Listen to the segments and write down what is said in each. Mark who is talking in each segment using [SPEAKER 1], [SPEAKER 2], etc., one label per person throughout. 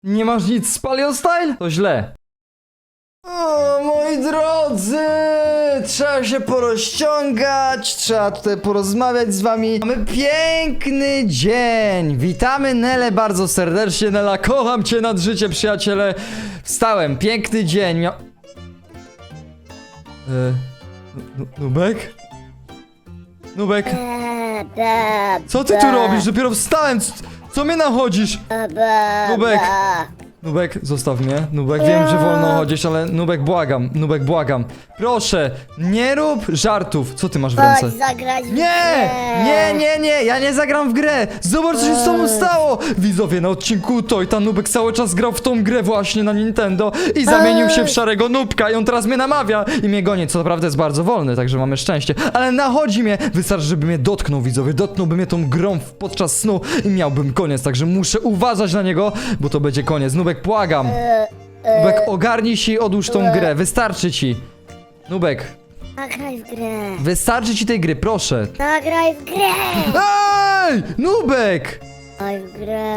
[SPEAKER 1] Nie masz nic z Paleo Style? To źle. O, moi drodzy! Trzeba się porozciągać, trzeba tutaj porozmawiać z wami. Mamy piękny dzień! Witamy Nelę bardzo serdecznie. Nela, kocham cię nad życie, przyjaciele. Wstałem, piękny dzień. Nubek? Nubek? Co ty tu robisz? Dopiero wstałem! Co mnie nachodzisz? Nubek! Nubek, zostaw mnie. Nubek, wiem, że wolno chodzisz, ale Nubek, błagam. Nubek, błagam. Proszę, nie rób żartów. Co ty masz w ręce?
[SPEAKER 2] Chodź zagrać w
[SPEAKER 1] Nie!
[SPEAKER 2] grę.
[SPEAKER 1] Nie, ja nie zagram w grę! Zobacz, co się z tobą stało! Widzowie, na odcinku ta Nubek cały czas grał w tą grę właśnie na Nintendo i zamienił się w szarego Nubka i on teraz mnie namawia i mnie goni, co naprawdę jest bardzo wolny, także mamy szczęście. Ale nachodzi mnie! Wystarczy, żeby mnie dotknął, widzowie, dotknąłby mnie tą grą podczas snu i miałbym koniec, także muszę uważać na niego, bo to będzie koniec. Nubek, błagam! Nubek, ogarnij się i odłóż tą grę, wystarczy ci! Nubek,
[SPEAKER 2] Zagraj w grę.
[SPEAKER 1] wystarczy ci tej gry, proszę!
[SPEAKER 2] Zagraj w grę.
[SPEAKER 1] Ej! Nubek!
[SPEAKER 2] Zagraj w grę.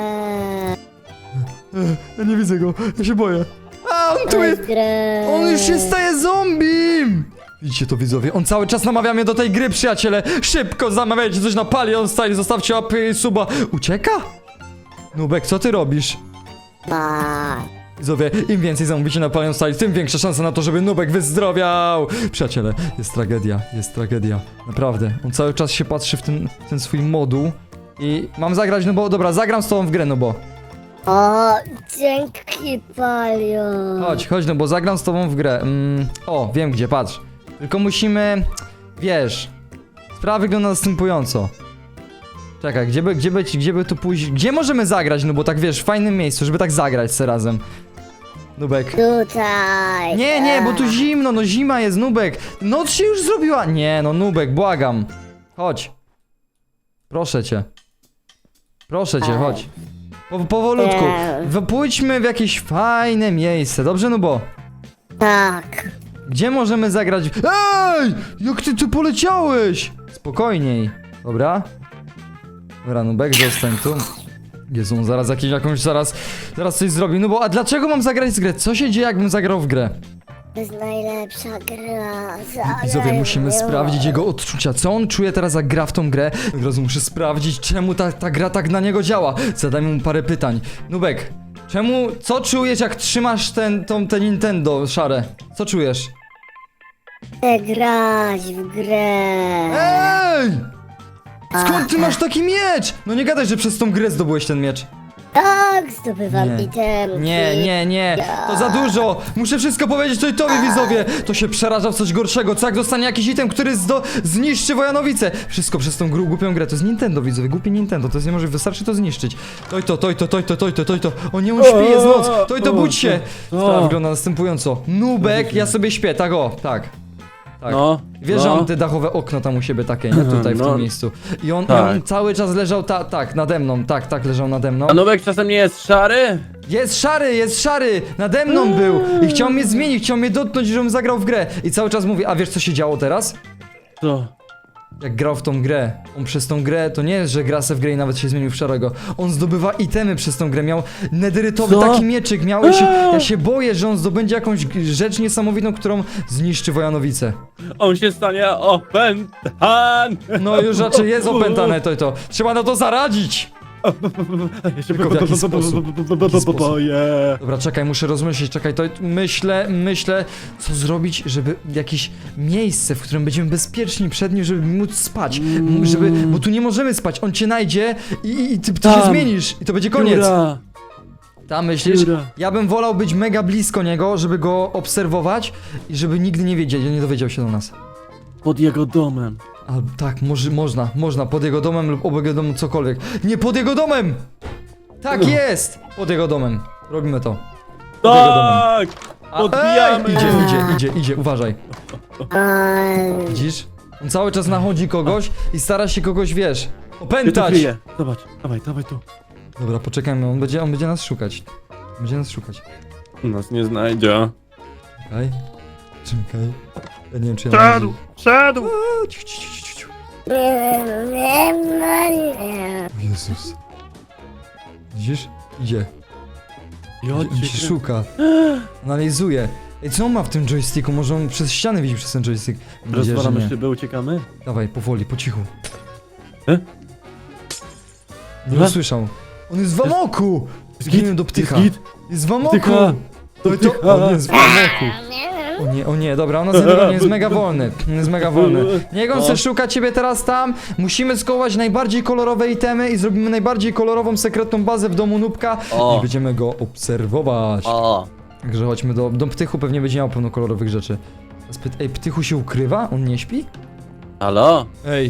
[SPEAKER 1] Ja nie widzę go, ja się boję. A, on tu
[SPEAKER 2] Zagraj
[SPEAKER 1] jest!
[SPEAKER 2] w grę.
[SPEAKER 1] On już się staje zombiem! Widzicie to, widzowie? On cały czas namawia mnie do tej gry, przyjaciele! Szybko zamawiajcie coś na Paleo Style, zostawcie łapy i suba. Ucieka? Nubek, co ty robisz?
[SPEAKER 2] Ba.
[SPEAKER 1] Widzowie, im więcej zamówicie na Paleo Style, tym większa szansa na to, żeby Nubek wyzdrowiał! Przyjaciele, jest tragedia. Naprawdę. On cały czas się patrzy w ten swój moduł i mam zagrać, no bo dobra, zagram z tobą w grę, no bo.
[SPEAKER 2] O, dzięki Palio.
[SPEAKER 1] Chodź, no bo zagram z tobą w grę. O, wiem gdzie, patrz. Tylko musimy, wiesz, sprawa wygląda następująco. Czekaj, gdzie by tu pójść? Gdzie możemy zagrać? No bo tak wiesz, w fajnym miejscu, żeby tak zagrać se razem. Nubek.
[SPEAKER 2] Tutaj.
[SPEAKER 1] Nie, bo tu zimno, no zima jest, Nubek. Noc się już zrobiła. Nie, no Nubek, błagam. Chodź. Proszę cię, chodź. Powolutku. Pójdźmy w jakieś fajne miejsce, dobrze, Nubo?
[SPEAKER 2] Tak.
[SPEAKER 1] Gdzie możemy zagrać? Ej! Jak ty tu poleciałeś? Spokojniej. Dobra, Nubek, zostań tu. Jezu, on zaraz coś zrobi. No bo, a dlaczego mam zagrać w grę? Co się dzieje, jakbym zagrał w grę?
[SPEAKER 2] To jest najlepsza gra.
[SPEAKER 1] Widzowie, musimy sprawdzić jego odczucia. Co on czuje teraz, jak gra w tą grę? Od razu muszę sprawdzić, czemu ta gra tak na niego działa. Zadajmy mu parę pytań. Nubek, co czujesz, jak trzymasz te Nintendo szare? Co czujesz?
[SPEAKER 2] Chcę grać w grę.
[SPEAKER 1] Ej! Skąd ty masz taki miecz? No nie gadaj, że przez tą grę zdobyłeś ten miecz.
[SPEAKER 2] Tak, zdobywam
[SPEAKER 1] Nie.
[SPEAKER 2] itemki.
[SPEAKER 1] Nie. To za dużo. Muszę wszystko powiedzieć tobie, widzowie. To się przeraża w coś gorszego. Co jak dostanie jakiś item, który zniszczy Wojanowice? Wszystko przez tą głupią grę. To jest Nintendo, widzowie. Głupie Nintendo. To jest niemożliwe. Wystarczy to zniszczyć. To. O nie, on śpi, jest noc. To budź się. Sprawa wygląda następująco. Nubek, ja sobie śpię. Tak o, tak.
[SPEAKER 3] No.
[SPEAKER 1] Wiesz, że on te dachowe okno tam u siebie takie, nie? Tutaj w tym miejscu. I on cały czas leżał nade mną. Tak, leżał nade mną.
[SPEAKER 3] A Nubek czasem nie jest szary?
[SPEAKER 1] Jest szary! Nade mną był! I chciał mnie zmienić, chciał mnie dotknąć, żebym zagrał w grę. I cały czas mówi, a wiesz co się działo teraz?
[SPEAKER 3] Co?
[SPEAKER 1] Jak grał w tą grę, on przez tą grę, to nie jest, że gra se w grę i nawet się zmienił w szarego. On zdobywa itemy przez tą grę, miał nederytowy
[SPEAKER 3] Co?
[SPEAKER 1] taki mieczyk, ja się boję, że on zdobędzie jakąś rzecz niesamowitą, którą zniszczy Wojanowice.
[SPEAKER 3] On się stanie opętan!
[SPEAKER 1] No już raczej jest opętane to. Trzeba na to zaradzić!
[SPEAKER 3] Ja się
[SPEAKER 1] Tylko w jaki sposób?
[SPEAKER 3] boję.
[SPEAKER 1] Dobra, czekaj, muszę rozmyśleć, czekaj, to myślę, co zrobić, żeby jakieś miejsce, w którym będziemy bezpieczni przed nim, żeby móc spać, bo tu nie możemy spać, on cię najdzie i ty się zmienisz i to będzie koniec.
[SPEAKER 3] Dziura.
[SPEAKER 1] Tam myślisz?
[SPEAKER 3] Dziura.
[SPEAKER 1] Ja bym wolał być mega blisko niego, żeby go obserwować i żeby nigdy nie dowiedział się do nas.
[SPEAKER 3] Pod jego domem.
[SPEAKER 1] A tak, można, pod jego domem lub obok jego domu, cokolwiek. Nie pod jego domem! Tak jest! Pod jego domem. Robimy to. Pod jego domem.
[SPEAKER 3] Tak!
[SPEAKER 1] A,
[SPEAKER 3] Podbijamy!
[SPEAKER 1] Idzie, uważaj. Widzisz? On cały czas nachodzi kogoś i stara się kogoś, wiesz,
[SPEAKER 3] Ja to
[SPEAKER 1] opętać.
[SPEAKER 3] kryję. Zobacz, dawaj tu.
[SPEAKER 1] Dobra, poczekajmy, on będzie nas szukać.
[SPEAKER 3] Nas nie znajdzie.
[SPEAKER 1] Czekaj. Ja nie wiem, czy ja
[SPEAKER 3] Szedł!
[SPEAKER 1] A, ciu. Jezus. Widzisz? Idzie. On się szuka. Analizuje. Ej, co on ma w tym joysticku? Może on przez ścianę widzi przez ten joystick? Mam nadzieję, że
[SPEAKER 3] Rozwalamy
[SPEAKER 1] nie.
[SPEAKER 3] szyby, uciekamy?
[SPEAKER 1] Dawaj, powoli, po cichu. Nie
[SPEAKER 3] Co?
[SPEAKER 1] usłyszał. On jest w amoku! Zginąłem do ptycha.
[SPEAKER 3] Jest git?
[SPEAKER 1] Jest w amoku!
[SPEAKER 3] Ptycha!
[SPEAKER 1] To on jest w amoku. O nie, dobra, on nas nie dogoni, jest mega wolny. On jest mega wolny. Niech on se szuka ciebie teraz tam. Musimy skołować najbardziej kolorowe itemy i zrobimy najbardziej kolorową, sekretną bazę w domu Nubka.
[SPEAKER 3] O.
[SPEAKER 1] I będziemy go obserwować.
[SPEAKER 3] O!
[SPEAKER 1] Także chodźmy do Ptychu, pewnie będzie miał pełno kolorowych rzeczy. Ej, Ptychu się ukrywa? On nie śpi?
[SPEAKER 3] Halo?
[SPEAKER 1] Ej,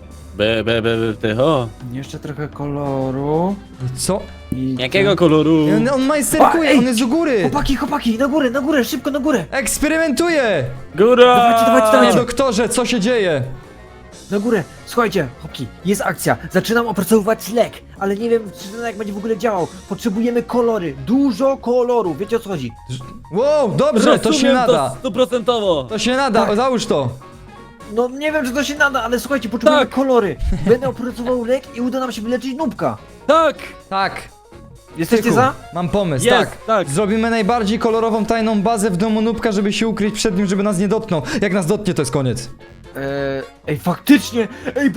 [SPEAKER 3] Tycho.
[SPEAKER 4] Jeszcze trochę koloru.
[SPEAKER 1] co?
[SPEAKER 4] I
[SPEAKER 3] Jakiego koloru?
[SPEAKER 1] On majsterkuje,
[SPEAKER 4] Ej!
[SPEAKER 1] on jest u góry!
[SPEAKER 4] Chłopaki, na górę, szybko na górę!
[SPEAKER 1] Eksperymentuje!
[SPEAKER 3] Góra!
[SPEAKER 4] Dawajcie,
[SPEAKER 1] Panie
[SPEAKER 4] dawajcie.
[SPEAKER 1] doktorze, co się dzieje?
[SPEAKER 4] Na górę! Słuchajcie, chłopaki, jest akcja. Zaczynam opracowywać lek, ale nie wiem, czy ten lek będzie w ogóle działał. Potrzebujemy kolory, dużo kolorów, wiecie o co chodzi?
[SPEAKER 1] Wow, dobrze, to się nada.
[SPEAKER 3] To 100%!
[SPEAKER 1] To się nada,
[SPEAKER 4] Tak.
[SPEAKER 1] załóż to.
[SPEAKER 4] No nie wiem, czy to się nada, ale słuchajcie, potrzebujemy
[SPEAKER 3] Tak.
[SPEAKER 4] kolory. Będę opracował lek i uda nam się wyleczyć Nubka.
[SPEAKER 3] Tak!
[SPEAKER 1] Tak.
[SPEAKER 4] Jesteście
[SPEAKER 1] Ptychu,
[SPEAKER 4] za?
[SPEAKER 1] mam pomysł,
[SPEAKER 3] Jest,
[SPEAKER 1] tak.
[SPEAKER 3] tak.
[SPEAKER 1] Zrobimy najbardziej kolorową tajną bazę w domu Nubka, żeby się ukryć przed nim, żeby nas nie dotknął. Jak nas dotknie, to jest koniec.
[SPEAKER 4] Ej, faktycznie!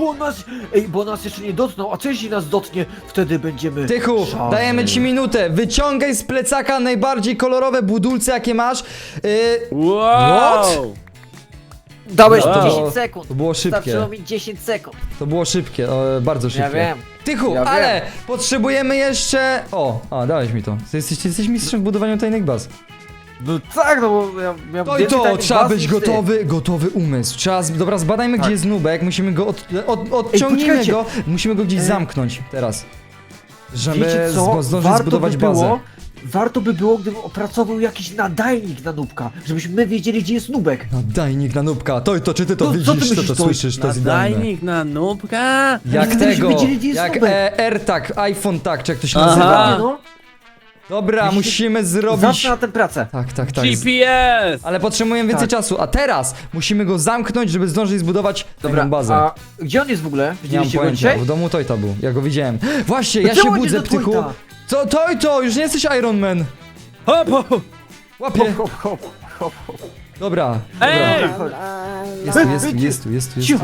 [SPEAKER 4] Bo nas jeszcze nie dotknął, a co jeśli nas dotknie, wtedy będziemy...
[SPEAKER 1] Tychu,
[SPEAKER 4] szaleni.
[SPEAKER 1] dajemy ci minutę. Wyciągaj z plecaka najbardziej kolorowe budulce, jakie masz.
[SPEAKER 3] Wow!
[SPEAKER 1] What?
[SPEAKER 4] Dałeś
[SPEAKER 3] Wow.
[SPEAKER 4] 10 sekund.
[SPEAKER 1] To było szybkie.
[SPEAKER 4] Starczyło mi 10 sekund.
[SPEAKER 1] To było szybkie, bardzo szybkie.
[SPEAKER 4] Ja wiem.
[SPEAKER 1] Tychu,
[SPEAKER 4] Ja
[SPEAKER 1] ale potrzebujemy jeszcze... dałeś mi to. Ty jesteś mistrzem w budowaniu tajnych baz.
[SPEAKER 4] No tak, no bo ja miałem
[SPEAKER 1] To i
[SPEAKER 4] więcej
[SPEAKER 1] to,
[SPEAKER 4] tajnych
[SPEAKER 1] trzeba
[SPEAKER 4] baz
[SPEAKER 1] być
[SPEAKER 4] niż ty.
[SPEAKER 1] gotowy umysł. Dobra, zbadajmy,
[SPEAKER 4] Tak.
[SPEAKER 1] gdzie jest Nubek, musimy go odciągnijmy
[SPEAKER 4] poczekajcie.
[SPEAKER 1] go, musimy go gdzieś zamknąć teraz. Żeby
[SPEAKER 4] Wiecie co?
[SPEAKER 1] zdążyć zbudować bazę.
[SPEAKER 4] Warto by było, gdybym opracował jakiś nadajnik na Nubka, żebyśmy my wiedzieli, gdzie jest Nubek.
[SPEAKER 1] Nadajnik na Nubka, to czy ty to
[SPEAKER 4] No, co ty
[SPEAKER 1] widzisz,
[SPEAKER 4] myślisz,
[SPEAKER 1] to
[SPEAKER 4] to-
[SPEAKER 1] słyszysz, to jest idealne.
[SPEAKER 3] Nadajnik na nubka?
[SPEAKER 1] Jak
[SPEAKER 4] Żebyśmy
[SPEAKER 1] tego,
[SPEAKER 4] wiedzieli, gdzie jest
[SPEAKER 1] jak
[SPEAKER 4] Nubek.
[SPEAKER 1] AirTag, iPhone tag, czy jak to się
[SPEAKER 3] Aha.
[SPEAKER 1] nazywa.
[SPEAKER 4] Nie no,
[SPEAKER 1] Dobra,
[SPEAKER 4] Widzicie?
[SPEAKER 1] musimy zrobić...
[SPEAKER 4] zacznę na tę pracę.
[SPEAKER 1] Tak.
[SPEAKER 3] GPS!
[SPEAKER 1] Ale potrzebujemy więcej
[SPEAKER 4] Tak.
[SPEAKER 1] czasu, a teraz musimy go zamknąć, żeby zdążyć zbudować
[SPEAKER 4] Dobra,
[SPEAKER 1] tajną bazę.
[SPEAKER 4] a gdzie on jest w ogóle?
[SPEAKER 1] Nie mam
[SPEAKER 4] Widzieliście go
[SPEAKER 1] pojęcia,
[SPEAKER 4] dzisiaj?
[SPEAKER 1] w domu Tojta był, ja go widziałem. Właśnie,
[SPEAKER 4] No
[SPEAKER 1] ja się
[SPEAKER 4] czemu
[SPEAKER 1] budzę,
[SPEAKER 4] idziesz do
[SPEAKER 1] Ptychu.
[SPEAKER 4] Tojta?
[SPEAKER 1] Co, Tojto, już nie jesteś Iron Man.
[SPEAKER 3] Hop, hop!
[SPEAKER 1] Łapie.
[SPEAKER 4] Hop, hop, hop, hop.
[SPEAKER 1] Dobra,
[SPEAKER 3] Ej!
[SPEAKER 1] dobra. Jest tu.
[SPEAKER 4] Cicho.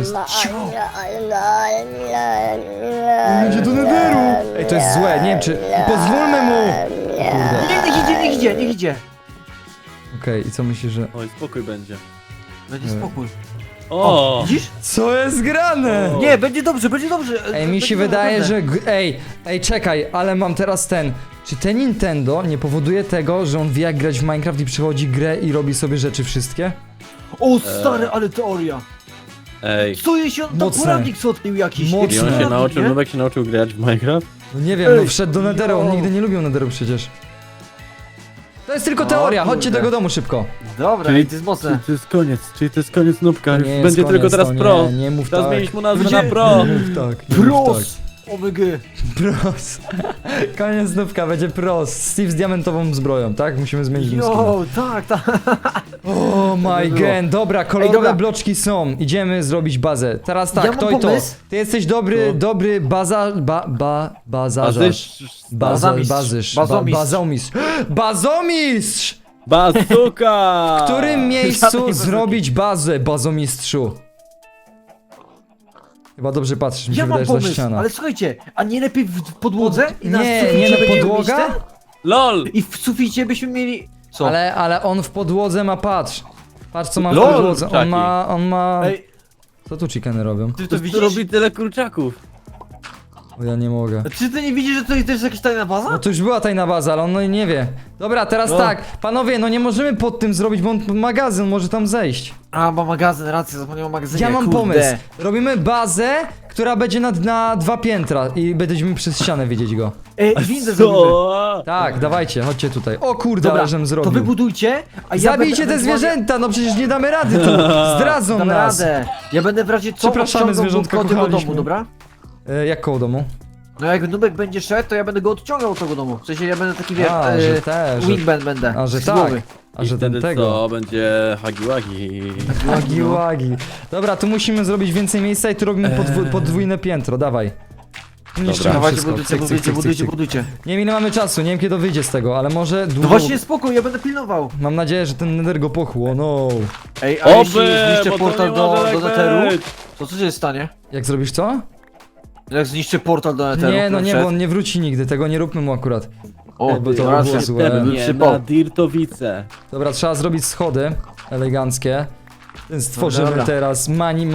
[SPEAKER 1] Idzie do Netheru. Ej, to jest złe, nie wiem czy... Pozwólmy mu. Kurde.
[SPEAKER 4] Niech idzie.
[SPEAKER 1] Okej, i co myślisz, że...
[SPEAKER 3] Oj, spokój będzie.
[SPEAKER 4] Będzie spokój.
[SPEAKER 3] O!
[SPEAKER 4] Widzisz?
[SPEAKER 1] Co jest grane?
[SPEAKER 3] O.
[SPEAKER 4] Nie, będzie dobrze.
[SPEAKER 1] Ej, mi się wydaje, że... Ej, czekaj, ale mam teraz ten... Czy ten Nintendo nie powoduje tego, że on wie jak grać w Minecraft i przychodzi grę i robi sobie rzeczy wszystkie?
[SPEAKER 4] O stary, ale teoria.
[SPEAKER 3] Ej.
[SPEAKER 4] Co jeśli on tam
[SPEAKER 1] Mocne.
[SPEAKER 4] poradnik sobie odkrył jakiś?
[SPEAKER 1] Mocne.
[SPEAKER 3] I on się
[SPEAKER 4] Poradnik,
[SPEAKER 3] nauczył,
[SPEAKER 4] nie?
[SPEAKER 3] Nubek się nauczył grać w Minecraft?
[SPEAKER 1] No nie wiem,
[SPEAKER 4] Ej,
[SPEAKER 1] no wszedł do Netheru, on
[SPEAKER 4] no.
[SPEAKER 1] nigdy nie lubił Netheru przecież. To jest tylko
[SPEAKER 4] O,
[SPEAKER 1] teoria, chodźcie
[SPEAKER 4] kurde.
[SPEAKER 1] do jego domu szybko.
[SPEAKER 4] Dobra,
[SPEAKER 3] Czyli-
[SPEAKER 4] to jest mocne.
[SPEAKER 3] Czyli to jest koniec Nubka,
[SPEAKER 1] To
[SPEAKER 3] już
[SPEAKER 1] nie jest
[SPEAKER 3] będzie
[SPEAKER 1] koniec,
[SPEAKER 3] tylko teraz
[SPEAKER 1] to
[SPEAKER 3] pro.
[SPEAKER 1] Nie mów
[SPEAKER 3] Teraz
[SPEAKER 1] tak.
[SPEAKER 3] zmieniliśmy nazwę
[SPEAKER 4] Będzie-
[SPEAKER 3] na pro.
[SPEAKER 1] Nie mów tak. nie mów
[SPEAKER 4] Pros! OMG.
[SPEAKER 1] tak. Pros. Koniec znówka, będzie pros. Steve z diamentową zbroją, tak? Musimy zmienić skina.
[SPEAKER 4] Jo, tak.
[SPEAKER 1] Oh my
[SPEAKER 4] było.
[SPEAKER 1] god, dobra, kolorowe
[SPEAKER 4] dobra.
[SPEAKER 1] bloczki są. Idziemy zrobić bazę. Teraz tak,
[SPEAKER 4] Ja mam
[SPEAKER 1] to i to.
[SPEAKER 4] pomysł.
[SPEAKER 1] Ty jesteś dobry bazarz.
[SPEAKER 4] Bazomistrz.
[SPEAKER 1] Bazomistrz. Bazomistrz!
[SPEAKER 3] Bazuka!
[SPEAKER 1] W którym
[SPEAKER 4] Żadnej
[SPEAKER 1] miejscu
[SPEAKER 4] bazuki.
[SPEAKER 1] zrobić bazę, bazomistrzu? Chyba dobrze patrzysz, mi się
[SPEAKER 4] Ja mam
[SPEAKER 1] wydaje, że ta
[SPEAKER 4] pomysł,
[SPEAKER 1] ściana.
[SPEAKER 4] ale słuchajcie, a nie lepiej w podłodze? I na
[SPEAKER 1] Nie,
[SPEAKER 4] suficie
[SPEAKER 1] nie na
[SPEAKER 4] będziemy
[SPEAKER 1] podłoga?
[SPEAKER 4] mieć ten?
[SPEAKER 3] LOL!
[SPEAKER 4] I w suficie byśmy mieli... Co?
[SPEAKER 1] Ale on w podłodze ma, patrz. Patrz co ma w
[SPEAKER 4] Lol,
[SPEAKER 1] podłodze.
[SPEAKER 3] czaki.
[SPEAKER 1] On ma...
[SPEAKER 4] Ej,
[SPEAKER 1] Co tu chickeny robią?
[SPEAKER 4] ty to
[SPEAKER 3] To
[SPEAKER 4] widzisz?
[SPEAKER 3] robi tyle kurczaków.
[SPEAKER 1] O, ja nie mogę.
[SPEAKER 4] Czy ty nie widzisz, że to jest jakaś tajna baza?
[SPEAKER 1] No to już była tajna baza, ale on no nie wie. Dobra, teraz
[SPEAKER 4] No.
[SPEAKER 1] tak. Panowie, no nie możemy pod tym zrobić, bo on magazyn może tam zejść.
[SPEAKER 4] A, ma magazyn, rację, zapomniałem o magazynie,
[SPEAKER 1] Ja mam
[SPEAKER 4] kurde.
[SPEAKER 1] pomysł. Robimy bazę, która będzie na 2 piętra i będziemy przez ścianę widzieć go.
[SPEAKER 4] Ej, windę zrobimy.
[SPEAKER 3] Co?
[SPEAKER 1] Tak, dawajcie, chodźcie tutaj. O kurde,
[SPEAKER 4] Dobra,
[SPEAKER 1] ale żem
[SPEAKER 4] to
[SPEAKER 1] zrobił.
[SPEAKER 4] wybudujcie, a ja
[SPEAKER 1] Zabijcie
[SPEAKER 4] będę
[SPEAKER 1] te zwierzęta, no przecież nie damy rady tu. Zdradzą
[SPEAKER 4] Dam
[SPEAKER 1] nas.
[SPEAKER 4] radę. Ja będę w razie co
[SPEAKER 1] Przepraszamy,
[SPEAKER 4] odciągał
[SPEAKER 1] zwierzątka,
[SPEAKER 4] Nubka od tego
[SPEAKER 1] kochaliśmy.
[SPEAKER 4] domu, dobra?
[SPEAKER 1] Jak koło domu?
[SPEAKER 4] No jak Nubek będzie szedł, to ja będę go odciągał od tego domu. W sensie ja będę taki, wiesz,
[SPEAKER 1] A, że te, że...
[SPEAKER 4] wingman będę.
[SPEAKER 1] A, że
[SPEAKER 4] z
[SPEAKER 1] tak.
[SPEAKER 4] głowy.
[SPEAKER 1] A
[SPEAKER 3] I
[SPEAKER 1] że
[SPEAKER 3] wtedy
[SPEAKER 1] ten tego.
[SPEAKER 3] co? Będzie hagi-wagi.
[SPEAKER 1] Łagi, łagi. Dobra, tu musimy zrobić więcej miejsca i tu robimy podwójne piętro, dawaj. Niszczymy
[SPEAKER 4] Dawajcie,
[SPEAKER 1] wszystko.
[SPEAKER 4] budujcie,
[SPEAKER 1] Cyk, cyk,
[SPEAKER 4] budujcie,
[SPEAKER 1] cyk,
[SPEAKER 4] budujcie,
[SPEAKER 1] cyk.
[SPEAKER 4] budujcie.
[SPEAKER 1] Nie wiem ile mamy czasu, nie wiem kiedy wyjdzie z tego, ale może
[SPEAKER 4] No
[SPEAKER 1] długo...
[SPEAKER 4] właśnie spokój, ja będę pilnował.
[SPEAKER 1] Mam nadzieję, że ten nether go pochło, no.
[SPEAKER 4] Ej, a jeśli zniszczę
[SPEAKER 3] bo to
[SPEAKER 4] portal
[SPEAKER 3] nie
[SPEAKER 4] do
[SPEAKER 3] może tak
[SPEAKER 4] Netheru,
[SPEAKER 3] być.
[SPEAKER 4] to co się stanie?
[SPEAKER 1] Jak zrobisz co?
[SPEAKER 4] Jak zniszczę portal do Netheru?
[SPEAKER 1] Nie, no nie,
[SPEAKER 4] przed-
[SPEAKER 1] bo on nie wróci nigdy, tego nie róbmy mu akurat.
[SPEAKER 4] O,
[SPEAKER 1] bo to
[SPEAKER 4] racja.
[SPEAKER 1] było złe.
[SPEAKER 3] Nie,
[SPEAKER 4] Przypał.
[SPEAKER 3] na Dirtowice.
[SPEAKER 1] Dobra, trzeba zrobić schody eleganckie. Więc stworzymy
[SPEAKER 4] dobra.
[SPEAKER 1] teraz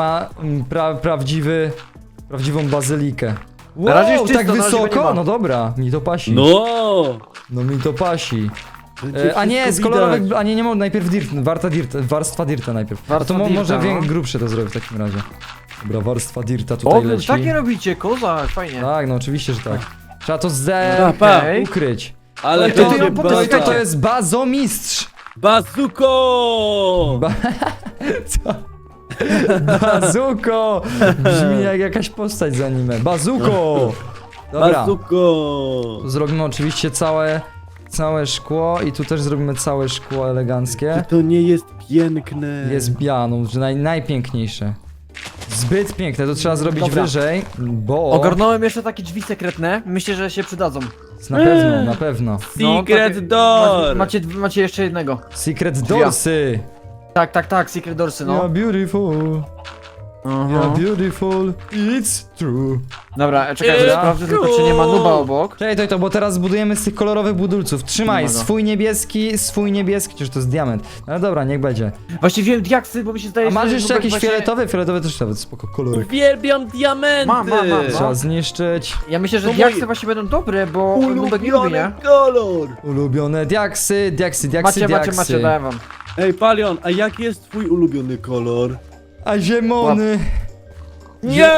[SPEAKER 1] prawdziwą bazylikę.
[SPEAKER 4] Na razie jest
[SPEAKER 1] Wow,
[SPEAKER 4] czysto,
[SPEAKER 1] tak
[SPEAKER 4] na razie go nie
[SPEAKER 1] wysoko?
[SPEAKER 4] ma.
[SPEAKER 1] No dobra, mi to pasi.
[SPEAKER 3] No!
[SPEAKER 1] No mi to pasi.
[SPEAKER 3] Będzie
[SPEAKER 1] A nie, z
[SPEAKER 3] wszystko
[SPEAKER 1] kolorowych,
[SPEAKER 3] widać.
[SPEAKER 1] a nie, nie mogę, najpierw warstwa dirta najpierw.
[SPEAKER 4] Warstwa
[SPEAKER 1] a to
[SPEAKER 4] dirta,
[SPEAKER 1] może
[SPEAKER 4] no.
[SPEAKER 1] grubsze to zrobię w takim razie. Dobra, warstwa dirta tutaj
[SPEAKER 4] O,
[SPEAKER 1] leci.
[SPEAKER 4] takie robicie, kozak, fajnie.
[SPEAKER 1] Tak, no oczywiście, że tak. Trzeba to
[SPEAKER 3] Dobra, pa.
[SPEAKER 4] Okej.
[SPEAKER 1] ukryć.
[SPEAKER 3] Ale
[SPEAKER 4] to
[SPEAKER 3] to
[SPEAKER 4] ja
[SPEAKER 3] nie
[SPEAKER 4] potem
[SPEAKER 1] To
[SPEAKER 3] baza.
[SPEAKER 1] jest bazomistrz!
[SPEAKER 3] Bazuko!
[SPEAKER 1] Co? Bazuko! Brzmi jak jakaś postać z anime. Bazuko! Dobra,
[SPEAKER 3] Bazuko!
[SPEAKER 1] tu zrobimy oczywiście całe szkło i tu też zrobimy całe szkło eleganckie.
[SPEAKER 3] To nie jest piękne.
[SPEAKER 1] Jest bianą, że najpiękniejsze. Zbyt piękne, to trzeba zrobić
[SPEAKER 4] Dobra.
[SPEAKER 1] wyżej, bo...
[SPEAKER 4] Ogarnąłem jeszcze takie drzwi sekretne, myślę, że się przydadzą.
[SPEAKER 1] Na pewno, na pewno.
[SPEAKER 3] Secret
[SPEAKER 4] takie-
[SPEAKER 3] door!
[SPEAKER 4] Macie jeszcze jednego.
[SPEAKER 1] Secret Doorsy!
[SPEAKER 4] Tak, secret doorsy,
[SPEAKER 1] You're
[SPEAKER 4] no.
[SPEAKER 1] beautiful, you're beautiful, it's true.
[SPEAKER 4] Dobra, czekaj,
[SPEAKER 3] Eee,
[SPEAKER 4] sprawdzę tylko, czy nie ma nuba obok.
[SPEAKER 1] Czekaj, to, bo teraz zbudujemy z tych kolorowych budulców. Trzymaj,
[SPEAKER 4] Nie ma go.
[SPEAKER 1] swój niebieski, przecież to jest diament. Ale dobra, niech będzie.
[SPEAKER 4] Właśnie wiem diaksy, bo mi się zdaje,
[SPEAKER 1] A masz
[SPEAKER 4] że
[SPEAKER 1] jeszcze
[SPEAKER 4] Nubek
[SPEAKER 1] jakiś
[SPEAKER 4] właśnie-
[SPEAKER 1] fioletowy? Fioletowy też nawet spoko kolorek.
[SPEAKER 3] Uwielbiam diamenty!
[SPEAKER 4] Mam.
[SPEAKER 1] Trzeba zniszczyć.
[SPEAKER 4] Ja myślę, że
[SPEAKER 3] To
[SPEAKER 4] diaksy
[SPEAKER 3] mój
[SPEAKER 4] właśnie będą dobre, bo Nubek nie lubi, nie?
[SPEAKER 3] kolor!
[SPEAKER 1] Ulubione diaksy.
[SPEAKER 4] Macie, daję wam.
[SPEAKER 3] Ej, Palion, a jaki jest twój ulubiony kolor?
[SPEAKER 1] A ziemony.
[SPEAKER 3] Nie!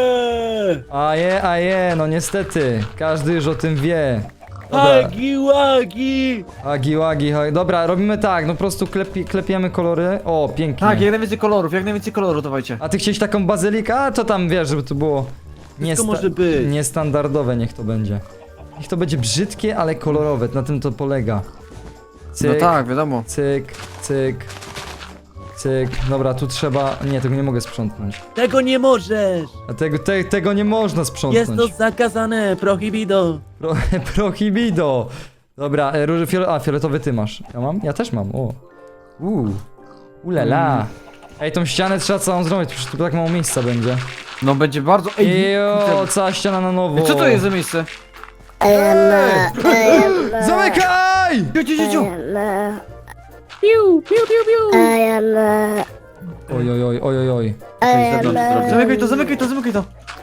[SPEAKER 1] A je, no niestety. Każdy już o tym wie. Dobra.
[SPEAKER 3] Hagi wagi!
[SPEAKER 1] Agi, dobra, robimy tak, no po prostu klepiemy kolory. O, pięknie.
[SPEAKER 4] Tak, jak najwięcej kolorów dawajcie.
[SPEAKER 1] A ty chciałeś taką bazylikę? A to tam wiesz, żeby to było
[SPEAKER 3] może być.
[SPEAKER 1] niestandardowe, niech to będzie. Niech to będzie brzydkie, ale kolorowe, na tym to polega. Cyk,
[SPEAKER 4] No tak, wiadomo.
[SPEAKER 1] cyk, cyk, cyk. Dobra, tu trzeba... Nie, tego nie mogę sprzątnąć.
[SPEAKER 3] Tego nie możesz!
[SPEAKER 1] A tego nie można
[SPEAKER 3] Jest
[SPEAKER 1] sprzątnąć.
[SPEAKER 3] to zakazane, prohibido!
[SPEAKER 1] Prohibido. Dobra, fioletowy ty masz. Ja mam? Ja też mam, o. Ulala. Ej, tą ścianę trzeba całą zrobić, przecież tu tak mało miejsca będzie.
[SPEAKER 4] No będzie bardzo... Ej,
[SPEAKER 1] Jo, cała ściana na nowo.
[SPEAKER 4] co to jest za miejsce?
[SPEAKER 1] Zamykaj!
[SPEAKER 4] Ciu.
[SPEAKER 3] Piu, piu, piu, piu!
[SPEAKER 1] Oj.
[SPEAKER 4] Zamykaj to.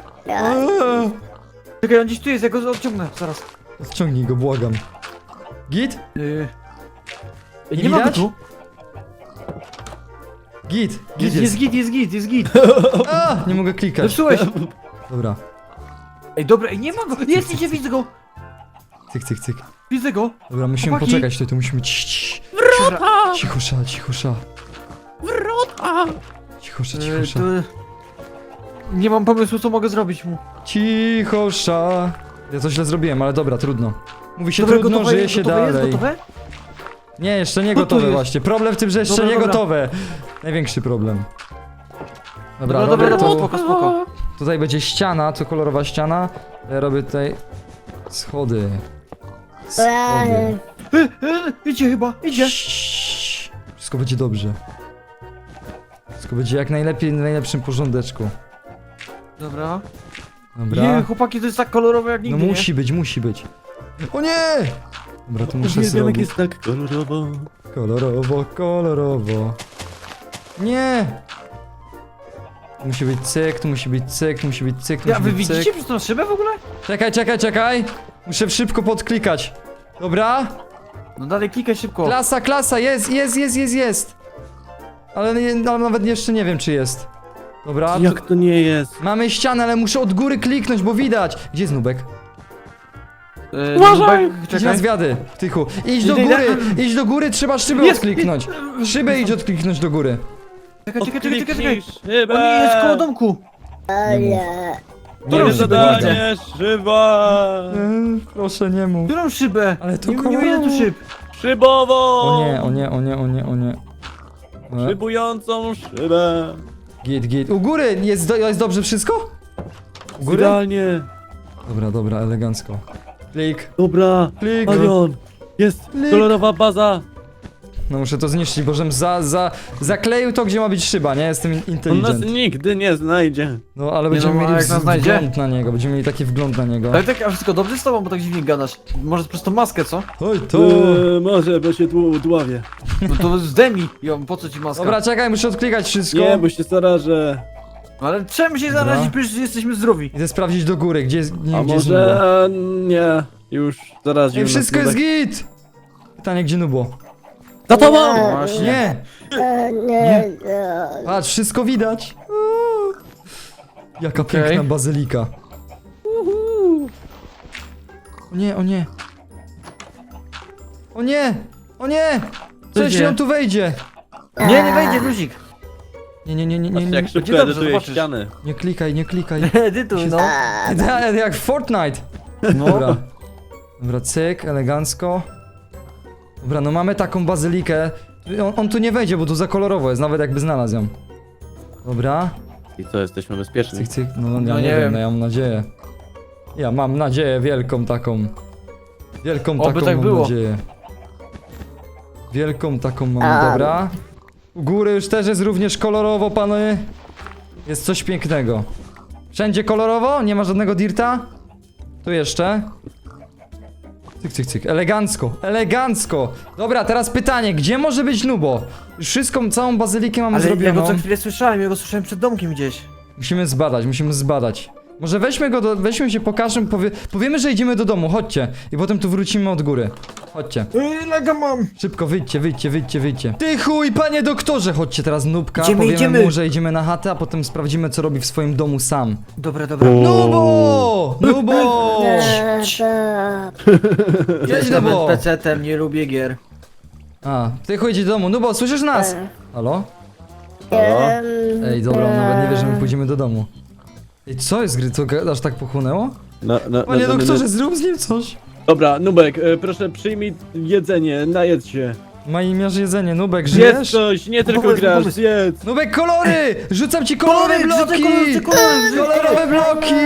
[SPEAKER 4] Czekaj, on gdzieś tu jest, ja go odciągnę, zaraz.
[SPEAKER 1] Wciągnij go, błagam. Git? Nie
[SPEAKER 4] Nie ma go
[SPEAKER 1] widać?
[SPEAKER 4] tu.
[SPEAKER 1] Git
[SPEAKER 4] Jest git.
[SPEAKER 1] A, nie mogę klikać.
[SPEAKER 4] Zepsułeś.
[SPEAKER 1] Dobra.
[SPEAKER 4] Ej, dobra, ej, nie ma go. Idzie, widzę go.
[SPEAKER 1] Cyk.
[SPEAKER 4] Widzę go.
[SPEAKER 1] Dobra, musimy
[SPEAKER 4] Chłopaki.
[SPEAKER 1] poczekać tutaj, to musimy cichosza.
[SPEAKER 3] Wrota!
[SPEAKER 1] Cichosza.
[SPEAKER 4] Nie mam pomysłu, co mogę zrobić mu.
[SPEAKER 1] Cichosza. Ja to źle zrobiłem, ale dobra, trudno. Mówi się
[SPEAKER 4] Dobra,
[SPEAKER 1] trudno, żyje się
[SPEAKER 4] gotowe
[SPEAKER 1] dalej.
[SPEAKER 4] Jest gotowe?
[SPEAKER 1] Nie, jeszcze nie
[SPEAKER 4] No to
[SPEAKER 1] gotowe
[SPEAKER 4] jest.
[SPEAKER 1] właśnie. Problem w tym, że jeszcze
[SPEAKER 4] Dobra,
[SPEAKER 1] nie
[SPEAKER 4] dobra.
[SPEAKER 1] gotowe. Największy problem. Dobra,
[SPEAKER 4] Dobra,
[SPEAKER 1] robię tu,
[SPEAKER 4] spoko.
[SPEAKER 1] tutaj będzie ściana, to kolorowa ściana. Ja robię tutaj schody.
[SPEAKER 4] Idzie chyba, idzie.
[SPEAKER 1] Ciii. Wszystko będzie dobrze. Wszystko będzie jak najlepiej, w najlepszym porządeczku.
[SPEAKER 4] Dobra.
[SPEAKER 1] Dobra.
[SPEAKER 4] Chłopaki, to jest tak kolorowe jak
[SPEAKER 1] No
[SPEAKER 4] nigdy,
[SPEAKER 1] musi być. O nie! Dobra, to muszę
[SPEAKER 3] Uwielbiam, jak
[SPEAKER 1] zrobić.
[SPEAKER 3] jest tak kolorowo.
[SPEAKER 1] Kolorowo. Nie! Tu musi być cyk, tu musi być cyk, tu musi być cyk, tu
[SPEAKER 4] nie? Ja,
[SPEAKER 1] musi
[SPEAKER 4] wy
[SPEAKER 1] być cyk.
[SPEAKER 4] widzicie przez tą szybę w ogóle?
[SPEAKER 1] Czekaj. Muszę szybko podklikać. Dobra?
[SPEAKER 4] No dalej klikaj szybko.
[SPEAKER 1] Klasa, jest. Ale nawet jeszcze nie wiem, czy jest. Dobra,
[SPEAKER 3] Jak to nie jest?
[SPEAKER 1] mamy ścianę, ale muszę od góry kliknąć, bo widać. Gdzie jest Nubek?
[SPEAKER 3] Uważaj!
[SPEAKER 1] Idź na
[SPEAKER 4] Czekaj.
[SPEAKER 1] zwiady, Tychu. Idź do góry, trzeba szybę
[SPEAKER 4] Jest,
[SPEAKER 1] odkliknąć. Szybę idź odkliknąć do góry.
[SPEAKER 4] Czekaj.
[SPEAKER 3] Odkliknij
[SPEAKER 4] On
[SPEAKER 3] szybę!
[SPEAKER 4] nie jest koło domku.
[SPEAKER 3] Moje
[SPEAKER 1] mów, żeby nie
[SPEAKER 3] zadanie, szyba!
[SPEAKER 1] Proszę, nie mów.
[SPEAKER 4] Którą szybę?
[SPEAKER 1] Ale to
[SPEAKER 4] nie widzę tu szyb.
[SPEAKER 3] Szybową!
[SPEAKER 1] O nie.
[SPEAKER 3] Szybującą szybę!
[SPEAKER 1] Git. U góry jest dobrze wszystko? U góry?
[SPEAKER 3] Idealnie!
[SPEAKER 1] Dobra, elegancko. Klik.
[SPEAKER 3] Dobra,
[SPEAKER 1] Klik.
[SPEAKER 3] Palion. Jest
[SPEAKER 1] Klik.
[SPEAKER 3] kolorowa baza.
[SPEAKER 1] No muszę to zniszczyć, bo żem zakleił to, gdzie ma być szyba, nie? Jestem
[SPEAKER 3] On nas
[SPEAKER 1] inteligent.
[SPEAKER 3] nigdy nie znajdzie.
[SPEAKER 1] No ale
[SPEAKER 4] Nie
[SPEAKER 1] będziemy
[SPEAKER 4] no, a
[SPEAKER 1] mieli
[SPEAKER 4] jak nas znajdzie?
[SPEAKER 1] wgląd na niego, będziemy mieli taki wgląd na niego.
[SPEAKER 4] Ale tak, a wszystko dobrze z tobą, bo tak dziwnie gadasz. Może przez tą maskę, co?
[SPEAKER 1] Oj, to...
[SPEAKER 3] Może, bo się dławię.
[SPEAKER 4] No to zdejmij ją, po co ci maska?
[SPEAKER 1] Dobra, czekaj, muszę odklikać wszystko.
[SPEAKER 3] Nie, bo się zarażę.
[SPEAKER 4] No ale czemu się
[SPEAKER 1] Dobra.
[SPEAKER 4] zarazić, przecież jesteśmy zdrowi.
[SPEAKER 1] Idę sprawdzić do góry, gdzie jest... Nie,
[SPEAKER 3] A
[SPEAKER 1] gdzie jest
[SPEAKER 3] może nie. Już zaraził
[SPEAKER 1] Ej,
[SPEAKER 3] nas
[SPEAKER 1] wszystko jest
[SPEAKER 3] Nubek.
[SPEAKER 1] git! Pytanie, gdzie Nubo?
[SPEAKER 3] Za tobą!
[SPEAKER 4] Właśnie.
[SPEAKER 1] Nie!
[SPEAKER 2] Nie.
[SPEAKER 1] Patrz, wszystko widać. Uuu. Jaka
[SPEAKER 4] Okej.
[SPEAKER 1] piękna bazylika. O nie, o nie. O nie! O nie! Co
[SPEAKER 4] Co
[SPEAKER 1] jeśli
[SPEAKER 4] dzieje?
[SPEAKER 1] on tu wejdzie?
[SPEAKER 4] Nie wejdzie luzik.
[SPEAKER 1] Nie,
[SPEAKER 3] Patrzcie, jak szybko
[SPEAKER 4] Będzie dobrze,
[SPEAKER 3] edytuje
[SPEAKER 4] zobaczysz.
[SPEAKER 3] ściany.
[SPEAKER 1] nie klikaj, nie klikaj.
[SPEAKER 4] Edytuj, no.
[SPEAKER 1] Jak w Fortnite.
[SPEAKER 4] No.
[SPEAKER 1] Dobra, cyk, elegancko. Dobra, no mamy taką bazylikę. On tu nie wejdzie, bo tu za kolorowo jest, nawet jakby znalazł ją. Dobra,
[SPEAKER 3] I co, jesteśmy bezpieczni?
[SPEAKER 1] cyk, cyk. No,
[SPEAKER 4] No
[SPEAKER 1] ja nie
[SPEAKER 4] nie
[SPEAKER 1] wiem,
[SPEAKER 4] wiem.
[SPEAKER 1] no, ja mam nadzieję. Ja mam nadzieję wielką taką. Wielką
[SPEAKER 4] Oby
[SPEAKER 1] taką
[SPEAKER 4] tak
[SPEAKER 1] mam
[SPEAKER 4] było.
[SPEAKER 1] nadzieję. Wielką taką mam, dobra. U góry już też jest również kolorowo, panowie. Jest coś pięknego. Wszędzie kolorowo? Nie ma żadnego dirta? Tu jeszcze. Cyk, cyk, cyk. Elegancko, elegancko. Dobra, teraz pytanie, gdzie może być Nubo? Już wszystką, całą bazylikę mamy
[SPEAKER 4] Ale ja
[SPEAKER 1] zrobioną.
[SPEAKER 4] go co chwilę słyszałem, ja go słyszałem przed domkiem gdzieś.
[SPEAKER 1] Musimy zbadać. Może weźmy się, pokażemy, powiemy, że idziemy do domu, chodźcie. I potem tu wrócimy od góry. Chodźcie.
[SPEAKER 4] Lega mam.
[SPEAKER 1] Szybko, wyjdźcie. Ty chuj, panie doktorze! Chodźcie teraz Nubka, powiemy
[SPEAKER 4] Idziemy.
[SPEAKER 1] mu, że idziemy na chatę, a potem sprawdzimy, co robi w swoim domu sam.
[SPEAKER 4] Dobra, dobra.
[SPEAKER 1] Nubo! Nubo! Jedź
[SPEAKER 4] Jestem
[SPEAKER 1] Nubo!
[SPEAKER 4] PC-tem, nie lubię gier.
[SPEAKER 1] A, ty chuj, idź do domu. Nubo, słyszysz nas? Halo?
[SPEAKER 3] Halo?
[SPEAKER 1] Ej, dobra, on nawet nie wie, że my pójdziemy do domu. Ej, co jest, gry? Co, aż tak pochłonęło? Panie doktorze, zrób z nim coś.
[SPEAKER 3] Dobra, Nubek, proszę przyjmij jedzenie, najedz się.
[SPEAKER 1] Ma imiarz jedzenie, Nubek,
[SPEAKER 3] Zjedz
[SPEAKER 1] żyjesz?
[SPEAKER 3] coś, nie tylko
[SPEAKER 4] Pomysł,
[SPEAKER 3] grasz,
[SPEAKER 4] pomysł.
[SPEAKER 3] zjedz.
[SPEAKER 1] Nubek, kolory! Rzucam ci kolorowe bloki! Kolorowe bloki!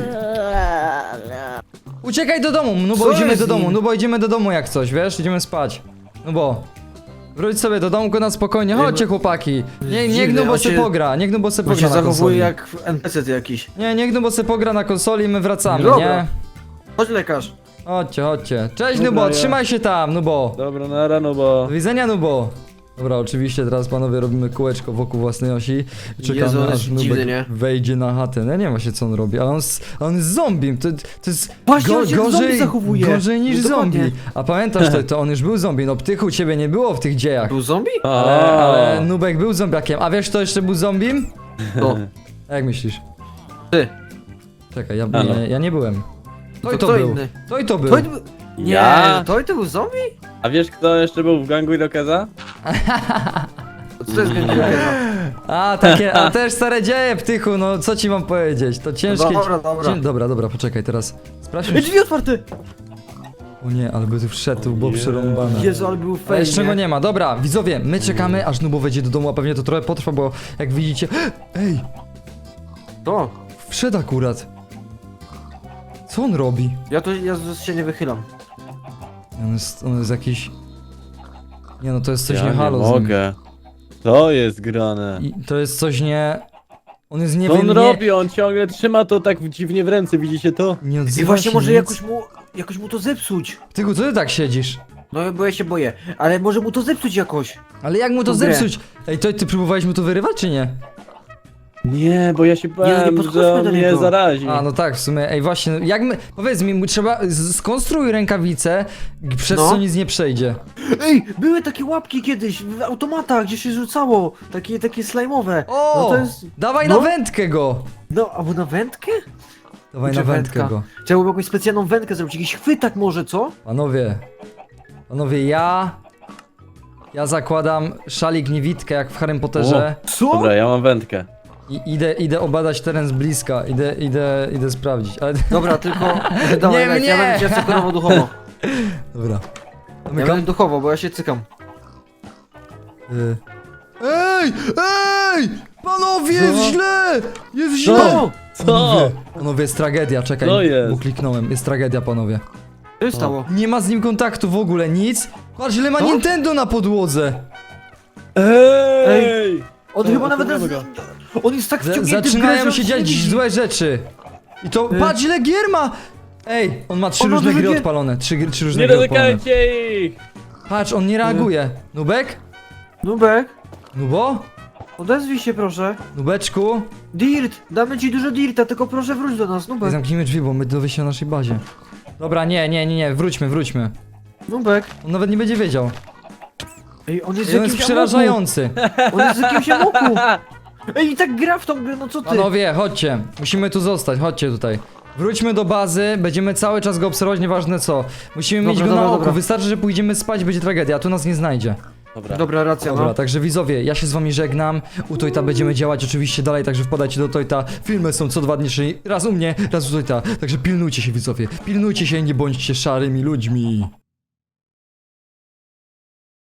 [SPEAKER 1] Uciekaj do domu, no bo
[SPEAKER 4] Co
[SPEAKER 1] idziemy
[SPEAKER 4] jest
[SPEAKER 1] do
[SPEAKER 4] z
[SPEAKER 1] domu,
[SPEAKER 4] nim?
[SPEAKER 1] no bo idziemy do domu jak coś, wiesz? Idziemy spać. No bo. Wróć sobie do domku na spokojnie, chodźcie chłopaki. Niech
[SPEAKER 4] Dziwny,
[SPEAKER 1] Nubo
[SPEAKER 4] on
[SPEAKER 1] se
[SPEAKER 4] się-
[SPEAKER 1] pogra, niech Nubo se
[SPEAKER 4] On
[SPEAKER 1] pogra
[SPEAKER 4] się
[SPEAKER 1] na
[SPEAKER 4] zachowuje
[SPEAKER 1] konsoli.
[SPEAKER 4] jak NPC jakiś.
[SPEAKER 1] Nie, niech Nubo se pogra na konsoli i my wracamy,
[SPEAKER 4] Dobra.
[SPEAKER 1] nie?
[SPEAKER 4] Chodź lekarz.
[SPEAKER 1] Chodźcie. Cześć
[SPEAKER 3] Dobra,
[SPEAKER 1] Nubo,
[SPEAKER 3] ja-
[SPEAKER 1] trzymaj się tam, Nubo.
[SPEAKER 3] Dobra, na rano, bo...
[SPEAKER 1] Do widzenia, Nubo. Dobra, oczywiście teraz panowie robimy kółeczko wokół własnej osi. Czekamy
[SPEAKER 4] Jezu, on
[SPEAKER 1] aż
[SPEAKER 4] jest
[SPEAKER 1] Nubek
[SPEAKER 4] dziwny, nie?
[SPEAKER 1] wejdzie na chatę. No nie ma się co on robi, ale on jest zombie. To jest
[SPEAKER 4] Właśnie, on się jak zombie zachowuje.
[SPEAKER 1] gorzej niż
[SPEAKER 4] No dokładnie.
[SPEAKER 1] zombie. A pamiętasz, to on już był zombie. No Ptychu, ciebie nie było w tych dziejach.
[SPEAKER 4] Był zombie?
[SPEAKER 1] Ale Nubek był zombiakiem. A wiesz kto jeszcze był zombiem?
[SPEAKER 4] No.
[SPEAKER 1] Jak myślisz?
[SPEAKER 4] Ty.
[SPEAKER 1] Czekaj,
[SPEAKER 3] no.
[SPEAKER 1] ja nie byłem. To i
[SPEAKER 4] To
[SPEAKER 1] to
[SPEAKER 4] kto
[SPEAKER 1] był.
[SPEAKER 4] inny?
[SPEAKER 1] To i to był.
[SPEAKER 4] To był... Nie,
[SPEAKER 3] Ja?
[SPEAKER 4] to był zombie?
[SPEAKER 3] A wiesz kto jeszcze był w gangu Irokeza?
[SPEAKER 4] Co to jest gębielka?
[SPEAKER 1] A też stare dzieje, Ptychu, no co ci mam powiedzieć? To ciężkie...
[SPEAKER 4] Dobra.
[SPEAKER 1] Dobra, poczekaj, teraz sprawdźmy...
[SPEAKER 4] Drzwi otwarte!
[SPEAKER 1] O nie, ale by tu wszedł, to było przerąbane.
[SPEAKER 4] Jezu, ale był
[SPEAKER 1] Ale
[SPEAKER 4] fajnie.
[SPEAKER 1] jeszcze go nie ma. Dobra, widzowie, my czekamy, aż Nubo wejdzie do domu, a pewnie to trochę potrwa, bo jak widzicie... Ej,
[SPEAKER 4] To.
[SPEAKER 1] wszedł akurat. Co on robi?
[SPEAKER 4] Ja się nie wychylam.
[SPEAKER 1] On jest jakiś... Nie no, to jest coś
[SPEAKER 3] ja
[SPEAKER 1] nie halo
[SPEAKER 3] nie
[SPEAKER 1] z nim.
[SPEAKER 3] mogę. To jest grane.
[SPEAKER 1] I to jest coś nie... On jest nie
[SPEAKER 3] Co on
[SPEAKER 1] wiem,
[SPEAKER 3] robi? On ciągle trzyma to tak dziwnie w ręce, widzicie to?
[SPEAKER 1] nie odzywa
[SPEAKER 4] I właśnie
[SPEAKER 1] się
[SPEAKER 4] może
[SPEAKER 1] nic.
[SPEAKER 4] jakoś mu to zepsuć.
[SPEAKER 1] Tyku, co ty tak siedzisz?
[SPEAKER 4] No bo ja się boję. Ale może mu to zepsuć jakoś.
[SPEAKER 1] Ale jak mu to
[SPEAKER 4] Tą grę.
[SPEAKER 1] zepsuć? Ej, ty próbowałeś mu to wyrywać, czy nie?
[SPEAKER 3] Nie, bo ja się bałem,
[SPEAKER 4] podchodźmy
[SPEAKER 3] że on
[SPEAKER 4] do
[SPEAKER 3] mnie
[SPEAKER 4] niego.
[SPEAKER 3] zarazi.
[SPEAKER 1] A, no tak, w sumie, ej, właśnie, jak my... Powiedz mi, trzeba... Skonstruuj rękawice, przez
[SPEAKER 4] No.
[SPEAKER 1] co nic nie przejdzie.
[SPEAKER 4] Ej, były takie łapki kiedyś w automatach, gdzie się rzucało. Takie slajmowe.
[SPEAKER 1] O!
[SPEAKER 4] No to jest...
[SPEAKER 1] Dawaj
[SPEAKER 4] no.
[SPEAKER 1] na wędkę go!
[SPEAKER 4] No, albo na wędkę?
[SPEAKER 1] Dawaj
[SPEAKER 4] Czy
[SPEAKER 1] na wędkę
[SPEAKER 4] wędka?
[SPEAKER 1] go.
[SPEAKER 4] Trzeba by jakąś specjalną wędkę zrobić, jakiś chwytak może, co?
[SPEAKER 1] Panowie, ja zakładam szalik niewidkę jak w Harrym Potterze
[SPEAKER 4] Co?
[SPEAKER 3] Dobra, ja mam wędkę.
[SPEAKER 1] i idę obadać teren z bliska, idę sprawdzić, ale...
[SPEAKER 4] Dobra, tylko... Dawaj,
[SPEAKER 1] Nie
[SPEAKER 4] Lex,
[SPEAKER 1] mnie!
[SPEAKER 4] ja będę cię asekurował duchowo.
[SPEAKER 1] Dobra.
[SPEAKER 4] Ja będę duchowo, bo ja się cykam.
[SPEAKER 1] Ej! Panowie, jest źle! Jest źle!
[SPEAKER 3] Co? Co?
[SPEAKER 1] Panowie, jest tragedia, czekaj,
[SPEAKER 3] Co jest?
[SPEAKER 1] bo kliknąłem. Jest tragedia, panowie.
[SPEAKER 4] Co się stało?
[SPEAKER 1] Nie ma z nim kontaktu w ogóle, nic. Patrz, ile ma Nintendo na podłodze.
[SPEAKER 3] Ej!
[SPEAKER 4] On
[SPEAKER 3] Co,
[SPEAKER 4] chyba nawet...
[SPEAKER 3] odpłyniemy
[SPEAKER 4] On jest tak wciągnięty w grę, że
[SPEAKER 1] Zaczynają
[SPEAKER 4] on
[SPEAKER 1] się
[SPEAKER 4] nie
[SPEAKER 1] dziać
[SPEAKER 4] widzi.
[SPEAKER 1] złe rzeczy. I to, patrz ile gier ma. Ej, on ma 3
[SPEAKER 4] On ma
[SPEAKER 1] różne
[SPEAKER 4] dużo
[SPEAKER 1] gry
[SPEAKER 4] gier.
[SPEAKER 1] odpalone. 3 różne
[SPEAKER 3] Nie
[SPEAKER 1] gry odpalone.
[SPEAKER 3] dotykajcie ich!
[SPEAKER 1] Patrz, on nie reaguje. Nubek?
[SPEAKER 4] Nubek,
[SPEAKER 1] Nubo?
[SPEAKER 4] odezwij się proszę.
[SPEAKER 1] Nubeczku?
[SPEAKER 4] Dirt, damy ci dużo dirta, tylko proszę wróć do nas, Nubek.
[SPEAKER 1] Zamknijmy drzwi, bo my dowie się na naszej bazie. Dobra, nie, wróćmy.
[SPEAKER 4] Nubek.
[SPEAKER 1] On nawet nie będzie wiedział.
[SPEAKER 4] Ej, on jest
[SPEAKER 1] I on jest
[SPEAKER 4] jakimś
[SPEAKER 1] przerażający.
[SPEAKER 4] amoku. On jest jakimś amoku. Ej, i tak gra w tą grę, no co ty?
[SPEAKER 1] Panowie, chodźcie. Musimy tu zostać, chodźcie tutaj. Wróćmy do bazy, będziemy cały czas go obserwować, nieważne co. Musimy mieć
[SPEAKER 4] Dobra,
[SPEAKER 1] go na
[SPEAKER 4] dobra,
[SPEAKER 1] oku,
[SPEAKER 4] dobra.
[SPEAKER 1] wystarczy, że pójdziemy spać, będzie tragedia, a tu nas nie znajdzie.
[SPEAKER 3] Dobra.
[SPEAKER 4] Dobra, racja,
[SPEAKER 1] Dobra,
[SPEAKER 4] no.
[SPEAKER 1] także widzowie, ja się z wami żegnam. U Tojta będziemy działać oczywiście dalej, także wpadajcie do Tojta. Filmy są co 2 dni, czyli raz u mnie, raz u Tojta. Także pilnujcie się widzowie, pilnujcie się i nie bądźcie szarymi ludźmi.